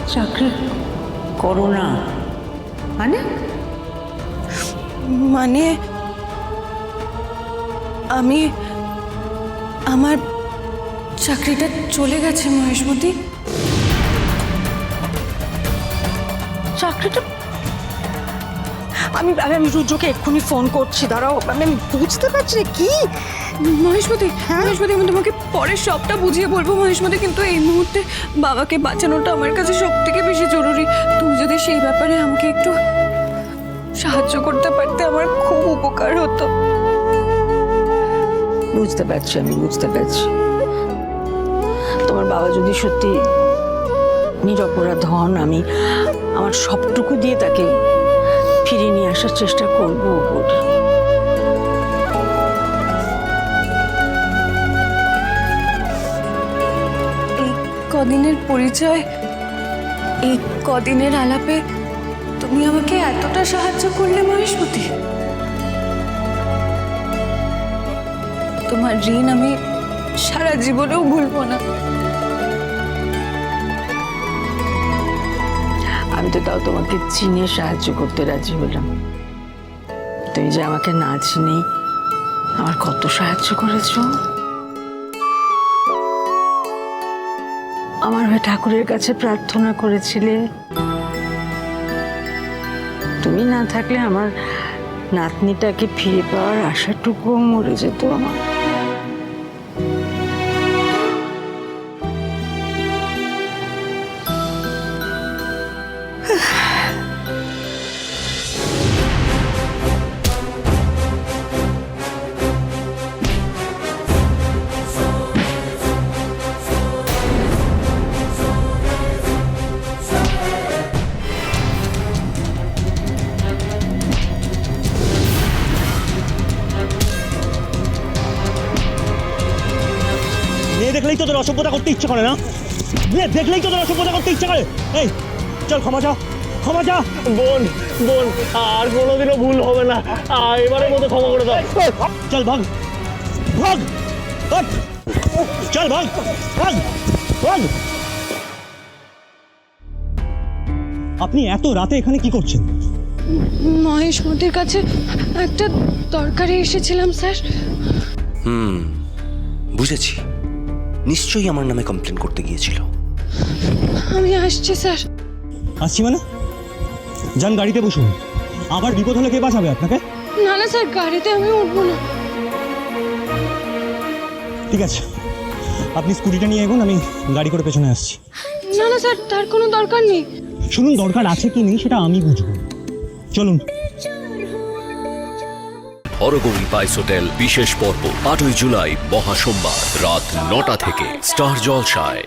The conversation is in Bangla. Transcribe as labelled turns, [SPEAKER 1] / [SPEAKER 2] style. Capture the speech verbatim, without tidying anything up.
[SPEAKER 1] চাকরি করো না মানে?
[SPEAKER 2] মানে আমি আমার চাকরিটা চলে গেছে মহেশমতি।
[SPEAKER 1] চাকরিটা
[SPEAKER 2] আমি আমি রুদ্রকে এক্ষুনি ফোন করছি, দাঁড়াও। আমি বুঝতে পারছি না কি মহেশমতি। মহেশমতি, আমি তোমাকে পরে সবটা বুঝিয়ে বলবো মহেশমতি, কিন্তু এই মুহূর্তে বাবাকে বাঁচানোটা আমার কাছে সব থেকে বেশি জরুরি। তুমি যদি সেই ব্যাপারে আমাকে একটু সাহায্য করতে পারতে আমার খুব উপকার হতো।
[SPEAKER 1] বুঝতে পারছি, আমি বুঝতে পারছি। তোমার বাবা যদি সত্যি নিরপরাধ হন, আমি আমার সবটুকু দিয়ে তাকে ফিরিয়ে নিয়ে আসার চেষ্টা করবো।
[SPEAKER 2] এই কদিনের পরিচয়, এই কদিনের আলাপে তুমি আমাকে এতটা সাহায্য করলে মহেশমতি। তোমার ঋণ আমি সারা জীবনেও ভুলবো না।
[SPEAKER 1] আমি তো তাও তোমাকে চিনে সাহায্য করতে রাজি হলাম। তুমি যে আমাকে না চিনেই আমার কত সাহায্য করেছো। আমার হয়ে ঠাকুরের কাছে প্রার্থনা করেছিলে। তুমি না থাকলে আমার নাতনিটাকে ফিরে পাওয়ার আশাটুকুও মরে যেত আমার।
[SPEAKER 3] মেয়ে দেখলেই তোদের অসভ্যতা করতে ইচ্ছে করে না? মেয়ে দেখলেই তোদের অসভ্যতা করতে ইচ্ছে করে। এই চল, ক্ষমা চা, ক্ষমা চা।
[SPEAKER 4] বোন বোন আর কোনোদিনও ভুল হবে না, আর এবারের মতো ক্ষমা করে দাও।
[SPEAKER 3] চল ভাগ, ভাগ, ভাগ। চল ভাগ, ভাগ, ভাগ। আপনি এত রাতে এখানে কি করছেন?
[SPEAKER 2] মহেশমতির কাছে একটা দরকারে এসেছিলাম স্যার।
[SPEAKER 5] হুম, বুঝেছি। নিশ্চয়ই আমার নামে কমপ্লেন করতে গিয়েছিল।
[SPEAKER 2] আমি আসছি স্যার।
[SPEAKER 3] আসছি মানে? যান, গাড়িতে বসুন। আবার বিপদ হলে কে বাঁচাবে আপনাকে?
[SPEAKER 2] না না স্যার, গাড়িতে আমি উঠবো না।
[SPEAKER 3] ঠিক আছে, আপনি স্কুটিটা নিয়ে এগোন, আমি গাড়ি করে পেছনে আসছি।
[SPEAKER 2] না না স্যার, তার কোনো দরকার নেই।
[SPEAKER 3] শুনুন, দরকার আছে কি নেই সেটা আমি বুঝবো। চলুন।
[SPEAKER 6] হরগৌরী পাইস হোটেল বিশেষ পর্ব আটই জুলাই মহাসোমবার রাত নটা থেকে স্টার জলসায়।